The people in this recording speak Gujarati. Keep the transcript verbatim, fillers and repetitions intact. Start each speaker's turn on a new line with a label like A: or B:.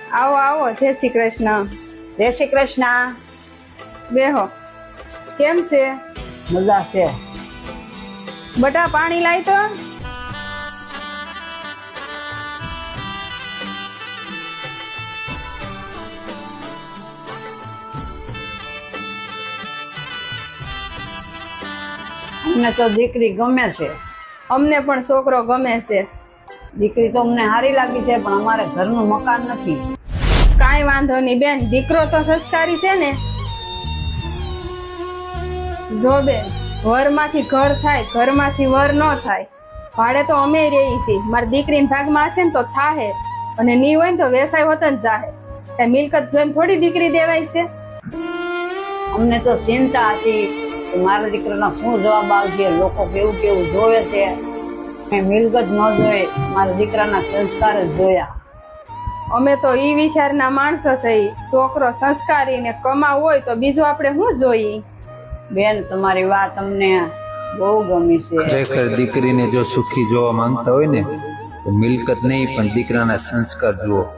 A: આવો આવો, જય શ્રી કૃષ્ણ.
B: જય શ્રી કૃષ્ણ.
A: બેહો. કેમ છે?
B: મજા છે.
A: બટા પાણી લાય તો.
B: અમને તો દીકરી ગમે છે.
A: અમને પણ છોકરો ગમે છે.
B: દીકરી તો અમને સારી લાગી છે, પણ અમારે ઘરનું મકાન નથી.
A: કાંઈ વાંધો નહીં બેન, દીકરો તો સંસ્કારી છે ને. જો બેન, વરમાંથી ઘર થાય, ઘરમાંથી વર ન થાય. ભાડે તો અમે રહી છીએ. મારી દીકરીના ભાગમાં હશે ને તો થાહે, અને ની હોય ને તો વેસાય હોત જ જાહે. એ મિલકત જોઈને થોડી દીકરી દેવાય છે.
B: અમને તો ચિંતા હતી કે મારા દીકરાના શું જવાબ આવશે, લોકો કેવું કેવું જોવે છે. મેં મિલકત ન જોઈ, મારા દીકરાના સંસ્કાર જ જોયા.
A: અમે તો ઈ વિચારના માણસો થઈ. છોકરો સંસ્કારી ને કમાવ હોય તો બીજું આપણે શું જોઈએ?
B: બેન, તમારી વાત અમને બહુ ગમી છે.
C: ખરેખર દીકરીને જો સુખી જોવા માંગતા હોય ને તો મિલકત નહીં પણ દીકરાના સંસ્કાર જુઓ.